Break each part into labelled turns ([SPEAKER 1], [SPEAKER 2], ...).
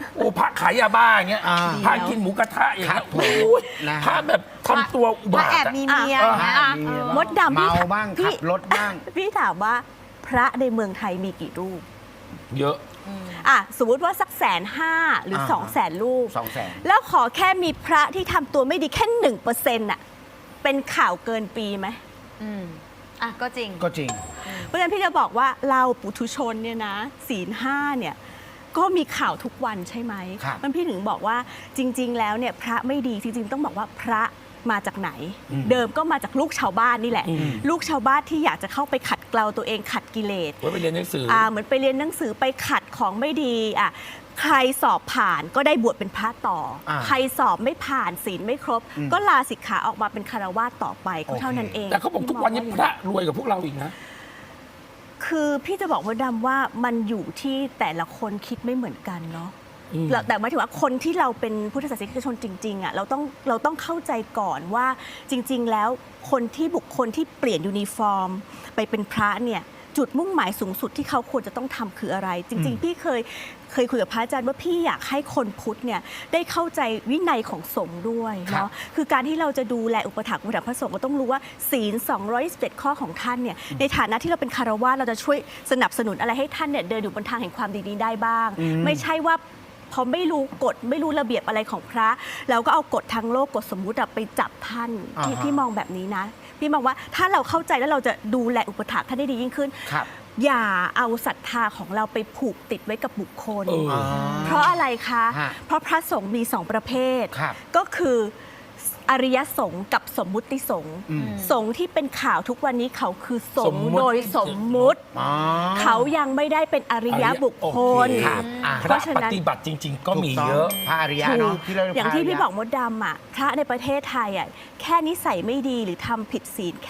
[SPEAKER 1] โอ้พระขายยาบ้าอย่างเงี้ยพระกินหมูกระทะอย่างเงี้ยโอ้ยพระแบบทำตัวอุบาท
[SPEAKER 2] แอบมีเมียมดดำ
[SPEAKER 3] เมาบ้างขับรถบ้าง
[SPEAKER 2] พี่ถามว่าพระในเมืองไทยมีกี่รูป
[SPEAKER 1] เยอะ
[SPEAKER 2] สมมติว่าสัก150,000หรือ200,000 รูป
[SPEAKER 3] 200,000
[SPEAKER 2] แล้วขอแค่มีพระที่ทำตัวไม่ดีแค่1%น่ะเป็นข่าวเกินปีไหม
[SPEAKER 4] ก็จริง
[SPEAKER 3] ก็จริง
[SPEAKER 2] เพราะฉะนั้นพี่จะบอกว่าเราปุถุชนเนี่ยนะศีล5เนี่ยก็มีข่าวทุกวันใช่ไหม
[SPEAKER 3] ครับ
[SPEAKER 2] มันพี่ถึงบอกว่าจริง ๆ แล้วเนี่ยพระไม่ดีจริง ๆ ต้องบอกว่าพระมาจากไหน เดิมก็มาจากลูกชาวบ้านนี่แหละ ลูกชาวบ้านที่อยากจะเข้าไปขัดเกลาตัวเองขัดกิเลส
[SPEAKER 1] ไว้ไปเรียนหนังสือ
[SPEAKER 2] เหมือนไปเรียนหนังสือไปขัดของไม่ดีใครสอบผ่านก็ได้บวชเป็นพระต่อใครสอบไม่ผ่านศีลไม่ครบ ก็ลาสิกขาออกมาเป็นคารวาสต่อไปก็เท่านั้นเอง
[SPEAKER 1] แต่เขาบอกทุกวันนี้พระรวยกว่าพวกเราอีกนะ
[SPEAKER 2] คือพี่จะบอกว่าดำว่ามันอยู่ที่แต่ละคนคิดไม่เหมือนกันเนาะแต่หมายถึงว่าคนที่เราเป็นพุทธศาสนิกชนจริงๆเราต้องเข้าใจก่อนว่าจริงๆแล้วบุคคลที่เปลี่ยนยูนิฟอร์มไปเป็นพระเนี่ยจุดมุ่งหมายสูงสุดที่เขาควรจะต้องทำคืออะไร จริงๆพี่เคยคุยกับพระอาจารย์ว่าพี่อยากให้คนพุทธเนี่ยได้เข้าใจวินัยของสงฆ์ด้วยเนาะคือการที่เราจะดูแลอุปถัมภ์พระสงฆ์ก็ต้องรู้ว่าศีล227ข้อของท่านเนี่ยในฐานะที่เราเป็นคารวะเราจะช่วยสนับสนุนอะไรให้ท่านเนี่ยเดินอยู่บนทางแห่งความดีนี้ได้บ้างไม่ใช่ว่าพอไม่รู้กฎไม่รู้ระเบียบอะไรของพระแล้วก็เอากฎทางโลกกฎสมมุติไปจับท่านพี่มองแบบนี้นะพี่มองว่าถ้าเราเข้าใจแล้วเราจะดูแลอุปถัมภ์ท่านได้ดียิ่งขึ้นอย่าเอาศรัทธาของเราไปผูกติดไว้กับบุคคลเพราะอะไรคะเพราะพระสงฆ์มี2ประเภทก็คืออริยสงฆ์กับสมมุติสงฆ์สงฆ์ที่เป็นข่าวทุกวันนี้เขาคือสงฆ์โดยสมมุติเขายังไม่ได้เป็นอริยบุคคลเพราะฉะนั้น
[SPEAKER 1] ปฏิบัติจริง ๆ ก็มีเยอะ
[SPEAKER 3] พระอริยะเนาะ
[SPEAKER 2] อย่างที่พี่บอกมดดำพระในประเทศไทยแค่นิสัยไม่ดีหรือทำผิดศีลแค่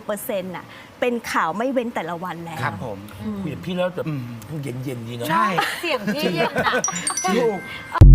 [SPEAKER 2] 1%เป็นข่าวไม่เว้นแต่ละวันแล้ว
[SPEAKER 3] ครับผม
[SPEAKER 1] คุยกับพี่แล้วแบบเย็นๆดีเนาะ
[SPEAKER 3] ใช่
[SPEAKER 4] เสียงพี่เย็นอะ
[SPEAKER 3] ถูก